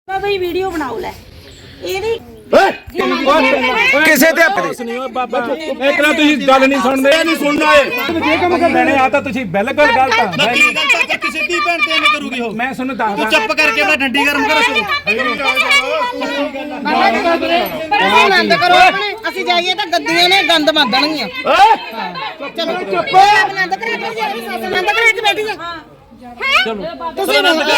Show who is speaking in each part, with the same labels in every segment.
Speaker 1: ਬਈ ਵੀਡੀਓ ਬਣਾਓ ਲੈ ਇਹਦੀ
Speaker 2: ਕਿਸੇ ਤੇ ਨਹੀਂ ਓਏ ਬਾਬਾ ਇੱਕ ਨਾ ਤੁਸੀਂ ਗੱਲ ਨਹੀਂ ਸੁਣਦੇ ਨਹੀਂ ਸੁਣਨਾ ਏ ਜੇ ਕੰਮ ਕਰਨੇ ਆ ਤਾਂ ਤੁਸੀਂ ਬਿਲਕੁਲ ਗਲਤ ਆ
Speaker 3: ਮੈਂ ਕੀ ਗਲਤ ਆ ਕਿਸੇ ਦੀ ਭੈਣ ਤੇ ਐਵੇਂ ਕਰੂਗੀ ਉਹ
Speaker 2: ਮੈਂ ਤੁਹਾਨੂੰ ਦੱਸਦਾ
Speaker 3: ਤੂੰ ਚੁੱਪ ਕਰਕੇ ਆਪਣਾ ਡੰਡੀ ਗਰਮ ਕਰੋ
Speaker 1: ਆਨੰਦ ਕਰੋ ਆਪਣੇ ਅਸੀਂ ਜਾਈਏ ਤਾਂ ਗੱਦੀਆਂ ਨੇ ਗੰਦ ਮੰਦਣਗੀਆਂ ਚਲੋ ਚੁੱਪ ਆਨੰਦ ਕਰਾ ਕੇ ਜਾਈ ਸੱਸ ਆਨੰਦ ਕਰਾ ਕੇ ਬੈਠੀ ਆ ਤੁਸੀਂ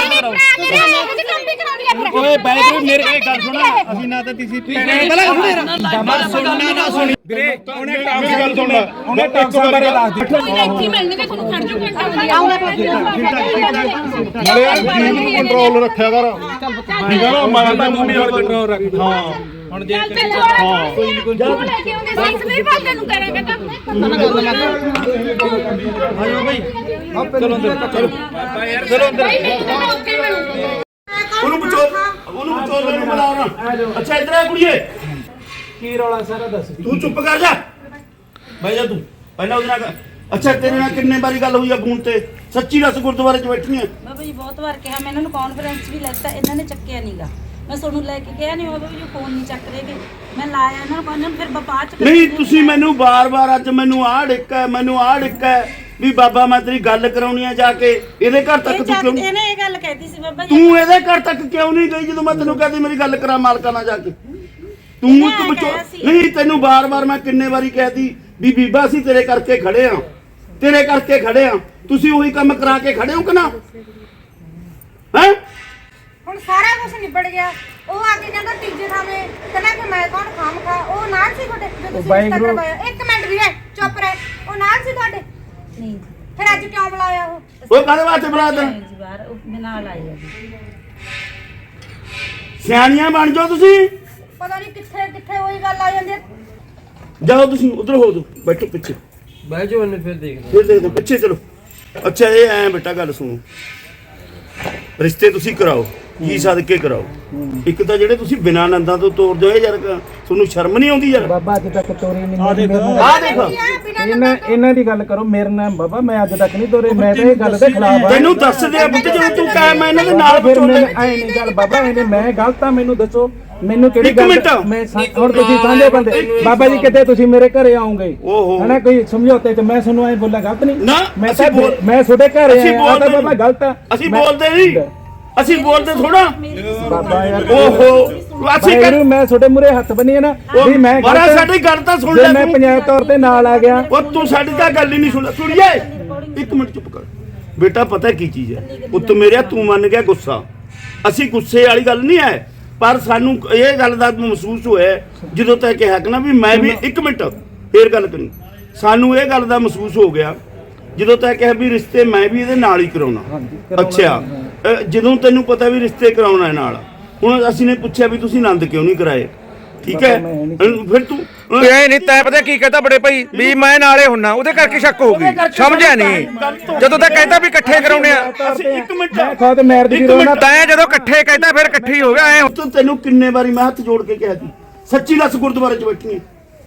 Speaker 3: ਓਏ ਬੈਠ ਮੇਰੇ ਇਹ ਗੱਲ ਸੁਣ ਅਸੀਂ ਨਾ ਤਾਂ ਤੁਸੀਂ ਪਹਿਲਾਂ ਸੁਣਨਾ ਨਾ ਸੁਣੀ
Speaker 2: ਵੀਰੇ ਉਹਨੇ ਟਾਪ ਗੱਲ ਸੁਣ ਉਹਨੇ ਟਾਪ ਬਾਰੇ ਦੱਸ ਦਿੱਤਾ
Speaker 4: ਨਾਲੇ ਯਾਰ ਜੀਭ ਨੂੰ ਕੰਟਰੋਲ ਰੱਖਿਆ ਕਰ ਠੀਕ ਹੈ ਨਾ ਮੈਂ ਤਾਂ
Speaker 2: ਮੰਮੀ ਹੋਰ ਕੰਟਰੋਲ ਰੱਖ
Speaker 4: ਹਾਂ
Speaker 2: ਹੁਣ ਜੇ
Speaker 3: ਆਇਓ ਬਈ
Speaker 2: ਚਲੋ ਅੰਦਰ ਚਲੋ
Speaker 3: ਚਲੋ ਅੰਦਰ
Speaker 4: ਉਹਨੂੰ ਬਚੋ ਮੈਨੂੰ ਬੁਲਾਉਣਾ ਅੱਛਾ ਇਧਰ ਆ ਕੁੜੀਏ
Speaker 2: ਕੀ ਰੌਲਾ ਸਾਰਾ ਦੱਸ
Speaker 4: ਤੂੰ ਚੁੱਪ ਕਰ ਜਾ ਬਹਿ ਜਾ ਤੂੰ ਪਹਿਲਾਂ ਉਹਦੇ ਨਾਲ ਅੱਛਾ ਤੇਰੇ ਨਾਲ ਕਿੰਨੇ ਵਾਰੀ ਗੱਲ ਹੋਈ ਆ ਫੋਨ ਤੇ ਸੱਚੀ ਦੱਸ ਗੁਰਦੁਆਰੇ 'ਚ ਬੈਠੀ ਆ
Speaker 1: ਬਾਬਾ ਜੀ ਬਹੁਤ ਵਾਰ ਕਿਹਾ ਮੈਂ ਇਹਨਾਂ ਨੂੰ ਕਾਨਫਰੰਸ ਵੀ ਲੈਤਾ ਇਹਨਾਂ ਨੇ ਚੱਕਿਆ ਨਹੀਂਗਾ ਮੈਂ ਤੁਹਾਨੂੰ ਲੈ ਕੇ ਕਿਹਾ ਨਹੀਂ ਬਾਬਾ ਜੀ ਫੋਨ ਨਹੀਂ ਚੱਕ ਰਹੇਗੇ ਮੈਂ ਲਾਇਆ ਇਹਨਾਂ ਨੂੰ ਫਿਰ ਬਾਅਦ ਚ
Speaker 4: ਨਹੀਂ ਤੁਸੀਂ ਮੈਨੂੰ ਬਾਰ-ਬਾਰ ਅੱਜ ਮੈਨੂੰ ਆਹ ਡਿੱਕਾ ਵੀ ਬਾਬਾ ਮੈਂ ਤੇਰੀ ਗੱਲ ਕਰਾਉਣੀ ਆ ਜਾ ਕੇ ਇਹਦੇ ਘਰ ਤੱਕ ਤੂੰ ਕਿਉਂ
Speaker 1: ਇਹਨੇ ਇਹ ਗੱਲ ਕਹਿਤੀ ਸੀ ਬਾਬਾ ਜੀ
Speaker 4: ਤੂੰ ਇਹਦੇ ਘਰ ਤੱਕ ਕਿਉਂ ਨਹੀਂ ਗਈ ਜਦੋਂ ਮੈਂ ਤੈਨੂੰ ਕਹਦੀ ਮੇਰੀ ਗੱਲ ਕਰਾ ਮਾਲਕਾਂ ਨਾਲ ਜਾ ਕੇ ਤੂੰ ਇੱਕ ਬਚੋ ਨਹੀਂ ਤੈਨੂੰ ਬਾਰ-ਬਾਰ ਮੈਂ ਕਿੰਨੇ ਵਾਰੀ ਕਹਿਤੀ ਵੀ ਬੀਬਾ ਅਸੀਂ ਤੇਰੇ ਕਰਕੇ ਖੜੇ ਆ ਤੁਸੀਂ ਉਹੀ ਕੰਮ ਕਰਾ ਕੇ ਖੜੇ ਹੋ ਕਿ ਨਾ ਹੈ
Speaker 5: ਹੁਣ ਸਾਰਾ ਕੁਝ ਨਿਬੜ ਗਿਆ ਉਹ ਆ ਕੇ ਕਹਿੰਦਾ ਤੀਜੇ ਥਾਵੇਂ ਕਹਿੰਦਾ ਕਿ ਮੈਂ ਕੌਣ ਖਾਮ ਖਾ ਉਹ ਨਾਲ ਸੀ ਤੁਹਾਡੇ ਜਦੋਂ ਤੁਸੀਂ ਰਿਸ਼ਤਾ ਕਰਵਾਇਆ ਇੱਕ ਮਿੰਟ ਵੀਰੇ ਚੁੱਪ ਰਹਿ ਉਹ ਨਾਲ ਸੀ ਤੁਹਾਡੇ
Speaker 1: ਨਹੀਂ
Speaker 5: ਫਿਰ ਅੱਜ ਕਿਉਂ ਬੁਲਾਇਆ ਉਹ
Speaker 4: ਉਹ ਕਾਹਦੇ ਵਾਸਤੇ ਬੁਲਾਇਆ ਤੈਨੂੰ
Speaker 1: ਜੀ ਬਾਹਰ ਉਹ ਨਾਲ ਆਈ ਆ ਜੀ
Speaker 4: ਸਿਆਣੀਆਂ ਬਣ ਜਾਓ ਤੁਸੀਂ
Speaker 5: ਪਤਾ ਨਹੀਂ ਕਿੱਥੇ ਉਹੀ ਗੱਲ ਆ ਜਾਂਦੀ ਹੈ
Speaker 4: ਜਾਓ ਤੁਸੀਂ ਉਧਰ ਹੋ ਦੋ ਬੈਠੋ ਪਿੱਛੇ
Speaker 2: ਬਹਿ ਜਾਓ ਉਹਨੇ ਫਿਰ ਦੇਖਦੇ
Speaker 4: ਪਿੱਛੇ ਚਲੋ ਅੱਛਾ ਇਹ ਐ ਬੇਟਾ ਗੱਲ ਸੁਣੋ ਰਿਸ਼ਤੇ ਤੁਸੀਂ ਕਰਾਓ ਕੀ ਸਦਕੇ ਕਰਾਓ ਇੱਕ ਤਾਂ ਜਿਹੜੇ ਤੁਸੀਂ ਬਿਨਾਂ ਨੰਦਾਂ ਤੋਂ ਤੋਰਦੇ ਹੋ ਯਾਰ ਤੁਹਾਨੂੰ ਸ਼ਰਮ ਨਹੀਂ ਆਉਂਦੀ ਯਾਰ
Speaker 2: ਬਾਬਾ ਅੱਜ ਤੱਕ ਤੋਰੀ ਨਹੀਂ
Speaker 4: ਆ ਦੇਖ
Speaker 2: ਇਹਨਾਂ ਦੀ ਗੱਲ ਕਰੋ ਮੇਰੇ ਨਾਲ ਬਾਬਾ ਮੈਂ ਅੱਜ ਤੱਕ ਨਹੀਂ ਤੋਰੇ ਮੈਂ ਤਾਂ ਇਹ ਗੱਲ ਦੇ ਖਿਲਾਫ ਆ
Speaker 4: ਤੈਨੂੰ ਦੱਸਦੇ ਆ ਬੁੱਧ ਜਦੋਂ ਤੂੰ ਕਹਿ ਮੈਂ ਇਹਨਾਂ ਦੇ ਨਾਲ
Speaker 2: ਫਿਰ
Speaker 4: ਵਿਚੋਲੇ
Speaker 2: ਮੈਂ ਐ ਨਹੀਂ ਗੱਲ ਬਾਬਾ ਮੈਂ ਗਲਤ ਆ ਮੈਨੂੰ ਦੱਸੋ ਮੈਨੂੰ ਕਿਹੜੀ
Speaker 4: ਇੱਕ
Speaker 2: ਗੱਲ
Speaker 4: ਮਿੰਟ।
Speaker 2: ਮੈਂ ਹੁਣ ਤੁਸੀਂ ਸਾਂਝੇ ਬੰਦੇ ਬਾਬਾ ਜੀ ਕਿਤੇ ਤੁਸੀਂ ਮੇਰੇ ਘਰੇ ਆਉਂਗੇ
Speaker 4: ਓਹੋ।
Speaker 2: ਹਨਾ ਕੋਈ ਸਮਝੌਤੇ ਚ ਮੈਂ ਤੁਹਾਨੂੰ ਐ ਬੋਲਾਂ ਗਲਤ ਨਹੀਂ
Speaker 4: ਨਾ,
Speaker 2: ਮੈਂ
Speaker 4: ਅਸੀਂ
Speaker 2: ਤਾਂ
Speaker 4: ਬੋਲ-
Speaker 2: ਮੈਂ ਤੁਹਾਡੇ ਘਰੇ
Speaker 4: ਅਸੀਂ
Speaker 2: ਆਇਆ ਤਾਂ
Speaker 4: ਬੋਲਦੇ
Speaker 2: ਬਾਬਾ ਗਲਤ ਆ
Speaker 4: ਅਸੀਂ ਬੋਲਦੇ ਨਹੀਂ ਅਸੀਂ ਬੋਲਦੇ ਥੋੜਾ
Speaker 2: ਬਾਬਾ ਯਾਰ
Speaker 4: ਓਹੋ ਅਸੀਂ
Speaker 2: ਭਾਈ ਨੂੰ ਮੈਂ ਤੁਹਾਡੇ ਮੂਰੇ ਹੱਥ ਬੰਨੀਏ ਨਾ ਵੀ ਮੈਂ
Speaker 4: ਬੜਾ
Speaker 2: ਗਲਤ ਆ।
Speaker 4: ਸਾਡੀ ਗੱਲ ਤਾਂ ਸੁਣ
Speaker 2: ਜੇ
Speaker 4: ਲੈ
Speaker 2: ਮੈਂ
Speaker 4: ਤੂੰ
Speaker 2: ਪੰਜਾਬ ਤੌਰ ਤੇ ਨਾਲ ਆ ਗਿਆ
Speaker 4: ਉਹ ਤੂੰ ਸਾਡੀ ਤਾਂ ਗੱਲ ਹੀ ਨਹੀਂ ਸੁਣਦਾ ਸੁਣੀਏ ਇੱਕ ਮਿੰਟ ਚੁੱਪ ਕਰ ਬੇਟਾ ਪਤਾ ਕੀ ਚੀਜ਼ ਹੈ ਉੱਤ ਮੇਰਿਆ ਤੂੰ ਮੰਨ ਗਿਆ ਗੁੱਸਾ ਅਸੀਂ ਗੁੱਸੇ ਵਾਲੀ ਗੱਲ ਨਹੀਂ ਹੈ ਪਰ ਸਾਨੂੰ ਇਹ ਗੱਲ ਦਾ ਮਹਿਸੂਸ ਹੋਇਆ ਜਦੋਂ ਤੱਕ ਕਿਹਾ ਕਿ ਨਾ ਵੀ ਮੈਂ ਵੀ ਇੱਕ ਮਿੰਟ ਫੇਰ ਗੱਲ ਕਰੀ ਸਾਨੂੰ ਇਹ ਗੱਲ ਦਾ ਮਹਿਸੂਸ ਹੋ ਗਿਆ ਜਦੋਂ ਤੱਕ ਕਿਹਾ ਵੀ ਰਿਸ਼ਤੇ ਮੈਂ ਵੀ ਇਹਦੇ ਨਾਲ ਹੀ ਕਰਾਉਣਾ ਅੱਛਾ ਜਦੋਂ ਤੈਨੂੰ ਪਤਾ ਵੀ ਰਿਸ਼ਤੇ ਕਰਾਉਣਾ ਹੈ ਨਾਲ ਹੁਣ ਅਸੀਂ ਨੇ ਪੁੱਛਿਆ ਵੀ ਤੁਸੀਂ ਆਨੰਦ ਕਿਉਂ ਨਹੀਂ ਕਰਾਏ ਠੀਕ ਹੈ ਫਿਰ ਤੂੰ
Speaker 6: ਇਹ ਨਹੀਂ ਤੈ ਪਤਾ ਕੀ ਕਹਤਾ ਬੜੇ ਭਾਈ ਵੀ ਮੈਂ ਨਾਲੇ ਹੁੰਨਾ ਉਹਦੇ ਕਰਕੇ ਸ਼ੱਕ ਹੋ ਗਈ ਸਮਝਿਆ ਨਹੀਂ ਜਦੋਂ ਤੱਕ ਕਹਿੰਦਾ ਵੀ ਇਕੱਠੇ ਕਰਾਉਣੇ ਆ
Speaker 4: ਅਸੀਂ ਇੱਕ ਮਿੰਟ
Speaker 2: ਮੈਂ ਖੁਦ ਮੈਰਿਜ
Speaker 4: ਇੱਕ
Speaker 2: ਦੀ ਰੋਣਾ
Speaker 4: ਮਿੰਟ।
Speaker 6: ਤੈਂ ਜਦੋਂ ਇਕੱਠੇ ਕਹਿੰਦਾ ਫਿਰ ਇਕੱਠੇ ਹੀ ਹੋ ਗਿਆ ਐ
Speaker 4: ਤੈਨੂੰ ਕਿੰਨੇ ਵਾਰੀ ਮੈਂ ਹੱਥ ਜੋੜ ਕੇ ਕਿਹਾ ਸੀ ਸੱਚੀ ਦੱਸ ਗੁਰਦੁਆਰੇ 'ਚ ਬੈਠੀ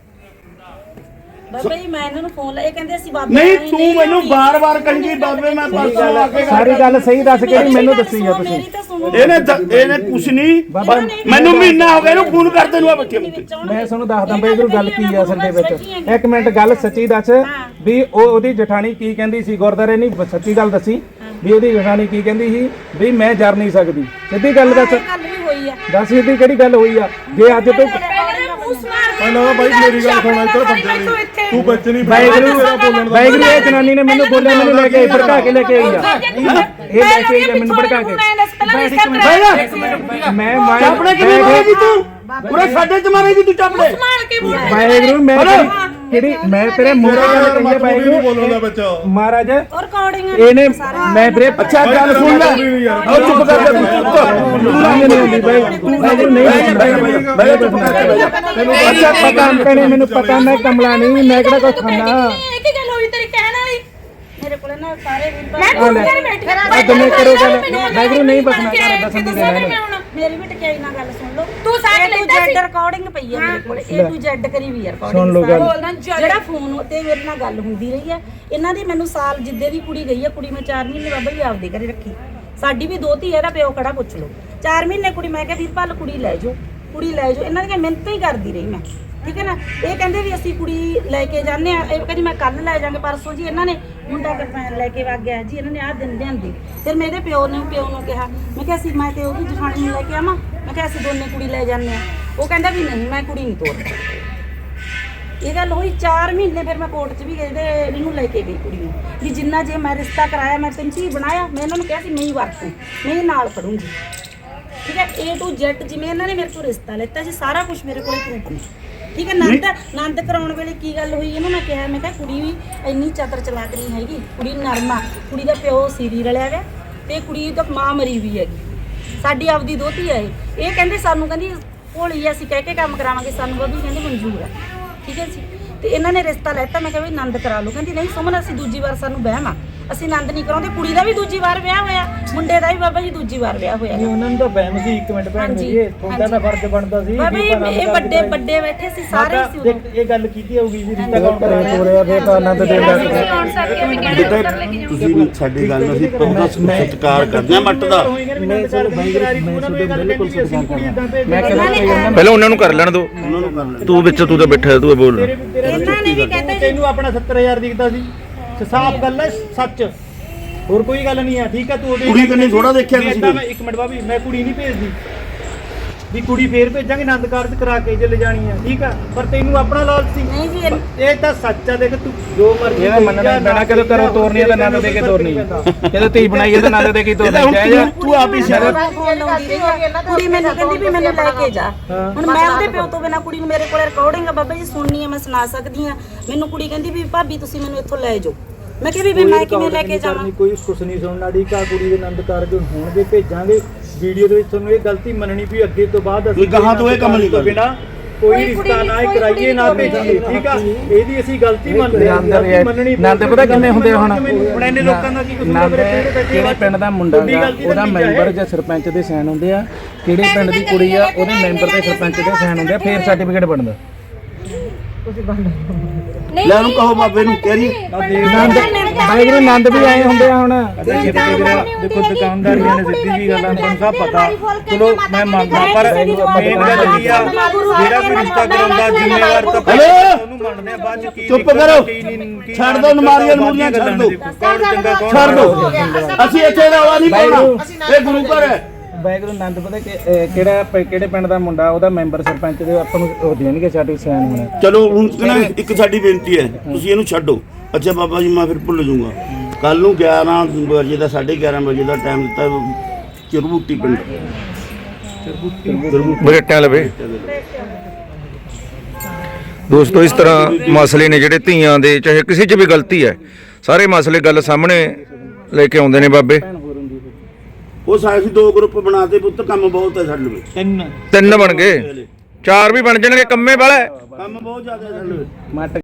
Speaker 1: ਬਾਬਾ ਜੀ ਮੈਂ ਇਹਨਾਂ ਨੂੰ ਫੋਨ ਲਾਇਆ ਇਹ ਕਹਿੰਦੇ ਅਸੀਂ ਬਾਬਾ
Speaker 4: ਨਹੀਂ ਤੂੰ ਮੈਨੂੰ ਬਾਰ-ਬਾਰ ਕਹਿੰਦੀ ਬਾਬੇ ਮੈਂ ਪਰਸੋਂ ਆ ਕੇ
Speaker 2: ਸਾਰੀ ਗੱਲ ਸਹੀ ਦੱਸ ਕਿਹੜੀ ਮੈਨੂੰ ਦੱਸੀ ਆ ਤੁਸੀਂ
Speaker 1: ਮੇਰੀ ਤਾਂ ਸੁਣੋ
Speaker 4: ਇਹਨੇ ਕੁਛ ਨਹੀਂ ਮੈਨੂੰ ਮਹੀਨਾ ਹੋ ਗਿਆ ਇਹਨੂੰ ਫੋਨ ਕਰ ਤੈਨੂੰ ਆ ਬੱਚੇ
Speaker 1: ਵਿੱਚ
Speaker 2: ਮੈਂ ਤੁਹਾਨੂੰ ਦੱਸਦਾ ਬਈ ਇਹਨੂੰ ਗੱਲ ਕੀ ਆ ਅਸਲ ਦੇ ਵਿੱਚ ਇੱਕ ਮਿੰਟ ਗੱਲ ਸੱਚੀ ਦੱਸ ਵੀ ਉਹਦੀ ਜਠਾਣੀ ਕੀ ਕਹਿੰਦੀ ਸੀ ਗੁਰਦਾਰੇ ਨਹੀਂ ਸੱਚੀ ਗੱਲ ਦੱਸੀ ਵੀ ਉਹਦੀ ਜਠਾਣੀ ਕੀ ਕਹਿੰਦੀ ਸੀ ਵੀ ਮੈਂ ਜਰ ਨਹੀਂ ਸਕਦੀ ਸਿੱਧੀ ਗੱਲ ਦੱਸ
Speaker 1: ਗੱਲ ਵੀ ਹੋਈ ਆ
Speaker 2: ਦੱਸ ਸਿੱਧੀ ਕਿਹੜੀ ਗੱਲ ਹੋਈ ਆ ਜੇ ਅੱਜ ਤੂੰ
Speaker 4: ਪਹਿਲਾਂ ਬਾਈ ਮੇਰੀ ਗੱਲ ਸੁਣ ਇੱਧਰ ਬੰਦੇ ਤੂੰ ਬੱਚ ਨਹੀਂ
Speaker 2: ਬਾਈਗਰੂ ਇਹ ਜਨਾਨੀ ਨੇ ਮੈਨੂੰ ਬੋਲਿਆ ਮੈਨੂੰ ਲੈ ਕੇ ਭੜਕਾ ਕੇ ਲੈ ਕੇ ਆਈ ਆ ਇਹ ਲੈ ਕੇ ਆਈ ਮੈਨੂੰ ਭੜਕਾ ਕੇ ਮੈਂ
Speaker 4: ਚਾਪੜੇ ਕਿਵੇਂ ਮਾਰੇਗੀ ਤੂੰ ਪੂਰਾ ਸਾਡੇ 'ਚ ਮਾਰੇਗੀ ਤੂੰ ਚਾਪੜੇ
Speaker 2: ਬਾਈਗਰੂ ਮੈਂ ਕਿਹੜੀ ਮੈਂ ਤੇਰੇ ਮੂਹਰੇ ਗੱਲ ਕਹੀ ਹੈ ਬਾਈਗਰੂ
Speaker 4: ਬੋਲਣਾ ਬੱਚਾ
Speaker 2: ਮਹਾਰਾਜ
Speaker 1: ਰਿਕਾਰਡਿੰਗ
Speaker 2: ਇਹਨੇ ਮੈਂ ਵੀਰੇ ਅੱਛਾ ਗੱਲ ਸੁਣ ਲੈ ਉਹ ਚੁੱਪ ਕਰ ਜਾ ਤੂੰ ਨਹੀਂ ਹੁੰਦੀ ਬਾਈ ਬਾਈਗਰੂ ਨਹੀਂ ਬਾਈ ਚੁੱਪ ਕਰਕੇ ਤੈਨੂੰ ਅੱਛਾ ਪਤਾ ਨਹੀਂ ਮੈਨੂੰ ਪਤਾ ਮੈਂ ਕਮਲਾ ਨਹੀਂ ਮੈਂ ਕਿਹੜਾ ਕੁਝ ਖਾਣਾ
Speaker 5: ਇਹ ਕੀ ਗੱਲ ਹੋਈ ਤੇਰੀ ਕਹਿਣ ਵਾਲੀ
Speaker 1: ਮੇਰੇ ਕੋਲ ਨਾ ਸਾਰੇ ਵੀਰ
Speaker 5: ਮੈਂ ਤੂੰ ਘਰ ਬੈਠਾ
Speaker 2: ਅਗਲੇ ਕਰੋ ਗੱਲ ਬਾਈਗਰੂ ਨਹੀਂ ਬਸਣਾ ਕਰ ਦੱਸਣ ਦੀ ਗੱਲ
Speaker 1: ਮੇਰੀ ਵੀ ਟਕਿਆਈ ਨਾਲ ਗੱਲ ਸੁਣ ਲਓ
Speaker 5: ਤੂੰ ਸਾਥ ਲੈਂਦਾ ਸੀ
Speaker 1: ਰਿਕਾਰਡਿੰਗ ਪਈ ਆ ਮੇਰੇ ਕੋਲ A to Z ਕਰੀ ਵੀ ਆ
Speaker 2: ਸੁਣ ਲਓ ਗੱਲ।
Speaker 1: ਰਿਕਾਰਡਿੰਗ ਜਿਹੜਾ ਫੋਨ ਤੇ ਮੇਰੇ ਨਾਲ ਗੱਲ ਹੁੰਦੀ ਰਹੀ ਆ ਇਹਨਾਂ ਦੀ ਮੈਨੂੰ ਸਾਲ ਜਿੱਦੇ ਦੀ ਕੁੜੀ ਗਈ ਆ ਕੁੜੀ ਮੈਂ 4 ਮਹੀਨੇ ਬਾਬਾ ਜੀ ਆਪਦੇ ਘਰੇ ਰੱਖੀ
Speaker 7: ਸਾਡੀ ਵੀ ਦੋਤੀ ਇਹਦਾ ਪਿਓ ਖੜਾ ਪੁੱਛ ਲਓ 4 ਮਹੀਨੇ ਕੁੜੀ ਮੈਂ ਕਿਹਾ ਵੀਰਪਾਲ ਕੁੜੀ ਲੈ ਜਾਓ ਇਹਨਾਂ ਦੀਆਂ ਮਿਹਨਤਾਂ ਹੀ ਕਰਦੀ ਰਹੀ ਮੈਂ ਠੀਕ ਹੈ ਨਾ ਇਹ ਕਹਿੰਦੇ ਵੀ ਅਸੀਂ ਕੁੜੀ ਲੈ ਕੇ ਜਾਂਦੇ ਆ ਇਹ ਕਹਿੰਦੀ ਮੈਂ ਕੱਲ ਲੈ ਜਾਾਂਗੇ ਪਰਸੋਂ ਜੀ ਇਹਨਾਂ ਨੇ ਮੁੰਡਾ ਕਿਰਪਾਨ ਲੈ ਕੇ ਵਗ ਗਿਆ ਜੀ ਇਹਨਾਂ ਨੇ ਆਹ ਦਿਨ ਲਿਆਂਦੀ ਫਿਰ ਮੇਰੇ ਪਿਓ ਨੂੰ ਕਿਹਾ ਮੈਂ ਕਿਹਾ ਅਸੀਂ ਮੈਂ ਤੇ ਉਹਦੀ ਜਠਾਣੀ ਨੂੰ ਲੈ ਕੇ ਆਵਾਂ ਮੈਂ ਕਿਹਾ ਅਸੀਂ ਦੋਨੇ ਕੁੜੀ ਲੈ ਜਾਂਦੇ ਆ ਉਹ ਕਹਿੰਦਾ ਵੀ ਨਹੀਂ ਮੈਂ ਕੁੜੀ ਨਹੀਂ ਤੋਰਦੀ ਇਹ ਗੱਲ ਹੋਈ 4 ਮਹੀਨੇ ਫਿਰ ਮੈਂ ਕੋਰਟ 'ਚ ਵੀ ਗਈ ਤੇ ਇਹਨੂੰ ਲੈ ਕੇ ਗਈ ਕੁੜੀ ਨੂੰ ਵੀ ਜਿੰਨਾ ਜੇ ਮੈਂ ਰਿਸ਼ਤਾ ਕਰਾਇਆ ਮੈਂ ਤੈਨੂੰ ਧੀ ਬਣਾਇਆ ਮੈਂ ਇਹਨਾਂ ਨੂੰ ਕਿਹਾ ਸੀ ਮੈਂ ਹੀ ਵਰਤੂ ਮੈਂ ਹੀ ਨਾਲ ਖੜੂੰਗੀ ਠੀਕ ਹੈ A to Z ਜਿਵੇਂ ਇਹਨਾਂ ਨੇ ਮੇਰੇ ਕੋਲ ਰਿਸ਼ਤਾ ਲੈਤਾ ਸੀ ਸਾਰਾ ਕੁਝ ਮੇਰੇ ਕੋਲੇ ਪ੍ਰੂਫ ਨੇ ਠੀਕ ਹੈ ਨੰਦ ਕਰਾਉਣ ਵੇਲੇ ਕੀ ਗੱਲ ਹੋਈ ਇਹਨੂੰ ਮੈਂ ਕਿਹਾ ਕੁੜੀ ਵੀ ਇੰਨੀ ਚਤਰ ਚਲਾਕ ਨਹੀਂ ਹੈਗੀ ਕੁੜੀ ਨਰਮਾ ਕੁੜੀ ਦਾ ਪਿਓ ਸੀਰੀ ਰਲਿਆ ਗਿਆ ਤੇ ਕੁੜੀ ਤਾਂ ਮਾਂ ਮਰੀ ਵੀ ਹੈਗੀ ਸਾਡੀ ਆਪਦੀ ਦੋਤੀ ਹੈ ਇਹ ਕਹਿੰਦੇ ਸਾਨੂੰ ਕਹਿੰਦੀ ਭੋਲੀ ਅਸੀਂ ਕਹਿ ਕੇ ਕੰਮ ਕਰਾਵਾਂਗੇ ਸਾਨੂੰ ਬੱਬੀ ਕਹਿੰਦੀ ਮਨਜ਼ੂਰ ਹੈ ਠੀਕ ਹੈ ਜੀ ਤੇ ਇਹਨਾਂ ਨੇ ਰਿਸ਼ਤਾ ਲੈਤਾ ਮੈਂ ਕਿਹਾ ਵੀ ਆਨੰਦ ਕਰਾ ਲਓ ਕਹਿੰਦੀ ਨਹੀਂ ਸੁਮਨ ਅਸੀਂ ਦੂਜੀ ਵਾਰ ਸਾਨੂੰ ਵਹਿਮ ਆ ਅਸੀਂ ਆਨੰਦ ਨਹੀਂ ਕਰਾਉਂਦੇ ਕੁੜੀ ਦਾ ਵੀ ਦੂਜੀ ਵਾਰ ਵਿਆਹ ਹੋਇਆ ਮੁੰਡੇ ਦਾ ਵੀ ਬਾਬਾ ਜੀ ਦੂਜੀ ਵਾਰ ਵਿਆਹ ਹੋਇਆ
Speaker 3: ਉਹਨਾਂ ਨੂੰ ਤਾਂ ਬਹਿਮ ਸੀ 1 ਮਿੰਟ ਭੈਣ ਜੀ ਤੁਹਾਡਾ ਤਾਂ ਫਰਜ਼ ਬਣਦਾ ਸੀ
Speaker 7: ਬਾਬਾ ਜੀ ਇਹ ਵੱਡੇ ਬੈਠੇ ਸੀ ਸਾਰੇ ਸੀ ਉਦੋਂ
Speaker 3: ਇਹ ਗੱਲ ਕੀਤੀ ਹੋਊਗੀ ਵੀ ਰਿਸ਼ਤਾ ਕੌਣ ਕਰਾਇਆ
Speaker 2: ਹੋ ਰਿਹਾ ਫੇਰ ਤਾਂ ਆਨੰਦ ਦੇ
Speaker 4: ਤੁਸੀਂ ਸਾਡੀ ਗੱਲ ਨੂੰ ਅਸੀਂ ਪੂਰਾ ਸਤਿਕਾਰ ਕਰਦੇ ਹਾਂ ਮੱਟ ਦਾ
Speaker 6: ਪਹਿਲਾਂ ਉਹਨਾਂ ਨੂੰ ਕਰ ਲੈਣ ਦੋ
Speaker 4: ਉਹਨਾਂ ਨੂੰ ਕਰ ਲੈ
Speaker 6: ਤੂੰ ਵਿੱਚ ਤੂੰ ਤਾਂ ਬੈਠਾ ਤੂੰ ਬੋਲ
Speaker 7: ਇਹਨਾਂ ਨੇ ਵੀ ਕਹਿੰਦੇ
Speaker 3: ਤੈਨੂੰ ਆਪਣਾ 70000 ਦਿਖਦਾ ਸੀ ਸਾਫ਼ ਗੱਲ ਹੈ ਸੱਚ ਹੋਰ ਕੋਈ ਗੱਲ ਨਹੀਂ ਹੈ ਠੀਕ ਹੈ ਤੂੰ
Speaker 4: ਕੁੜੀ ਕੰਨੀ ਥੋੜਾ ਦੇਖਿਆ ਤੁਸੀਂ
Speaker 3: ਮੈਂ 1 ਮਿੰਟ ਬਾਬੀ ਮੈਂ ਕੁੜੀ ਨਹੀਂ ਭੇਜਦੀ ਵੀ ਕੁੜੀ ਫੇਰ ਭੇਜਾਂਗੇ ਆਨੰਦ ਕਾਰਜ ਕਰਾ ਕੇ ਜੇ ਲੈ ਜਾਣੀ ਹੈ ਠੀਕ ਆ ਪਰ ਤੈਨੂੰ ਆਪਣਾ ਲਾਲਚ ਸੀ
Speaker 7: ਨਹੀਂ ਜੀ
Speaker 3: ਇਹ ਤਾਂ ਸੱਚ ਆ ਦੇਖ ਤੂੰ ਜੋ ਮਰਜ਼ੀ
Speaker 2: ਇਹਦਾ ਮੰਨਣਾ ਪੈਣਾ ਕਦੋਂ ਕਰੋ ਤੋਰਨੀ ਤਾਂ ਆਨੰਦ ਦੇ ਕੇ ਤੋਰਨੀ ਜਦੋਂ ਧੀ ਬਣਾਈ ਤਾਂ ਆਨੰਦ ਦੇ ਕੇ ਤੋਰਨੀ ਚਾਹੀਦਾ
Speaker 4: ਤੂੰ ਆਪ ਹੀ ਸ਼ਰਮ
Speaker 7: ਕੁੜੀ ਮੈਨੂੰ ਕਹਿੰਦੀ ਵੀ ਮੈਨੂੰ ਲੈ ਕੇ ਜਾ ਹੁਣ ਮੈਂ ਉਹਦੇ ਪਿਓ ਤੋਂ ਬਿਨਾ ਕੁੜੀ ਨੂੰ ਮੇਰੇ ਕੋਲ ਰਿਕਾਰਡਿੰਗ ਆ ਬਾਬਾ ਜੀ ਸੁਣਨੀ ਆ ਮੈਂ ਸੁਣਾ ਸਕਦੀ ਆ ਮੈਨੂੰ ਕੁੜੀ ਕਹਿੰਦੀ ਵੀ ਭਾਬੀ ਤੁਸੀਂ ਮੈਨੂੰ ਇੱਥੋਂ ਲੈ ਜਾਓ ਮੈਂ ਕਿਹਾ ਵੀ ਮੈਂ ਕਿਵੇਂ ਲੈ ਕੇ ਜਾਵਾਂ
Speaker 3: ਕੋਈ ਕੁਛ ਨਹੀਂ ਸੁਣਨਾ ਢੀਕਾ ਕੁੜੀ ਦੇ ਆਨੰਦ ਕਾਰਜ ਹੋਣਗੇ ਭੇਜਾਂਗੇ ਵੀਡੀਓ ਦੇ ਵਿੱਚ ਤੁਹਾਨੂੰ ਇਹ ਗਲਤੀ ਮੰਨਣੀ ਵੀ ਅੱਗੇ ਤੋਂ ਬਾਅਦ
Speaker 4: ਕੋਈ ਗਾਹਾਂ ਤੋਂ ਇਹ ਕੰਮ ਨਹੀਂ ਕਰਨਾ
Speaker 3: ਬਿਨਾ ਕੋਈ ਰਿਸ਼ਤਾ ਨਾ ਕਰਾਈਏ ਨਾ ਭੇਜੀਏ ਠੀਕ ਆ ਇਹਦੀ ਅਸੀਂ ਗਲਤੀ ਮੰਨਦੇ ਹਾਂ ਮੰਨਣੀ
Speaker 2: ਆਨੰਦ ਪਤਾ ਕਿੰਨੇ ਹੁੰਦੇ ਹੁਣ
Speaker 3: ਇੰਨੇ ਲੋਕਾਂ ਦਾ ਕੀ ਕਸੂਰ ਆ
Speaker 2: ਕਿਹੜੇ ਪਿੰਡ ਦਾ ਮੁੰਡਾ ਗਾ ਉਹਦਾ ਮੈਂਬਰ ਜਾਂ ਸਰਪੰਚ ਦੇ ਸਾਈਨ ਹੁੰਦੇ ਆ ਕਿਹੜੇ ਪਿੰਡ ਦੀ ਕੁੜੀ ਆ ਉਹਦੇ ਮੈਂਬਰ ਤੇ ਸਰਪੰਚ ਦੇ ਸਾਈਨ ਹੁੰਦੇ ਆ ਫੇਰ ਸਰਟੀਫਿਕੇਟ ਬਣਦਾ
Speaker 4: ਲੈ ਉਹਨੂੰ ਕਹੋ ਬਾਬੇ ਨੂੰ ਕਹਿ ਰਹੀ
Speaker 2: ਬਾਈ ਆਨੰਦ ਵੀ ਆਏ ਹੁੰਦੇ ਆ ਹੁਣ
Speaker 3: ਦੇਖੋ ਦੁਕਾਨਦਾਰੀਆਂ ਨੇ ਸਿੱਧੀ ਜੀ ਗੱਲ ਆ ਤੁਹਾਨੂੰ ਸਭ ਪਤਾ ਚਲੋ ਮੈਂ ਮੰਨਦਾ ਪਰ ਮੇਨ ਗੱਲ ਕੀ ਆ ਜਿਹੜਾ ਕੋਈ ਰਿਸ਼ਤਾ ਕਰਾਉਂਦਾ ਜ਼ਿੰਮੇਵਾਰ ਤਾਂ ਉਹਨੂੰ ਮੰਨਦੇ ਆ ਬਾਅਦ ਚ ਕੀ
Speaker 4: ਚੁੱਪ ਕਰੋ ਛੱਡ ਦੋ ਨਮਾਰੀਆਂ ਨੂਰੀਆਂ ਛੱਡ ਦੋ
Speaker 3: ਕੌਣ ਚੰਗਾ ਕੌਣ
Speaker 4: ਛੱਡ ਦੋ ਅਸੀਂ ਇੱਥੇ ਦਾ ਆਵਾ ਨਹੀਂ ਪਾਉਣਾ ਇਹ ਗੁਰੂ ਘਰ ਹੈ
Speaker 2: ਵਾਹਿਗੁਰੂ ਆਨੰਦ ਪਤਾ ਕਿਹੜੇ ਪਿੰਡ ਦਾ ਮੁੰਡਾ ਉਹਦਾ ਮੈਂਬਰ ਸਰਪੰਚ ਦੇ ਆਪਾਂ ਨੂੰ ਉਹ ਦੇਣਗੇ ਸਰਟੀਫਿਕੇਟ ਸਾਈਨ ਹੋਣਾ
Speaker 4: ਚਲੋ ਹੁਣ ਕਹਿੰਦਾ ਇੱਕ ਸਾਡੀ ਬੇਨਤੀ ਹੈ ਤੁਸੀਂ ਇਹਨੂੰ ਛੱਡੋ ਅੱਛਾ ਬਾਬਾ ਜੀ ਮੈਂ ਫਿਰ ਭੁੱਲ ਜਾਊਂਗਾ ਕੱਲ ਨੂੰ 11 ਵਜੇ ਦਾ 11:30 ਵਜੇ ਦਾ ਟਾਈਮ ਦਿੱਤਾ ਚਰਬੂਟੀ ਪਿੰਡ
Speaker 6: ਬਰੇਟਿਆਂ ਲਵੇ ਦੋਸਤੋ ਇਸ ਤਰ੍ਹਾਂ ਮਸਲੇ ਨੇ ਜਿਹੜੇ ਧੀਆਂ ਦੇ ਚਾਹੇ ਕਿਸੇ 'ਚ ਵੀ ਗਲਤੀ ਹੈ ਸਾਰੇ ਮਸਲੇ ਗੱਲ ਸਾਹਮਣੇ ਲੈ ਕੇ ਆਉਂਦੇ ਨੇ ਬਾਬੇ
Speaker 4: ਉਹ ਸਾਰੇ 2 ਗਰੁੱਪ ਬਣਾਤੇ ਪੁੱਤ ਕੰਮ ਬਹੁਤ ਹੈ ਸਾਡੇ ਵਿੱਚ
Speaker 6: 3 ਬਣ ਗਏ 4 ਵੀ ਬਣ ਜਾਣਗੇ ਕੰਮੇ ਵਾਲਾ
Speaker 4: ਕੰਮ ਬਹੁਤ ਜ਼ਿਆਦਾ ਹੈ ਸਾਡੇ ਵਿੱਚ
Speaker 2: ਮੱਟ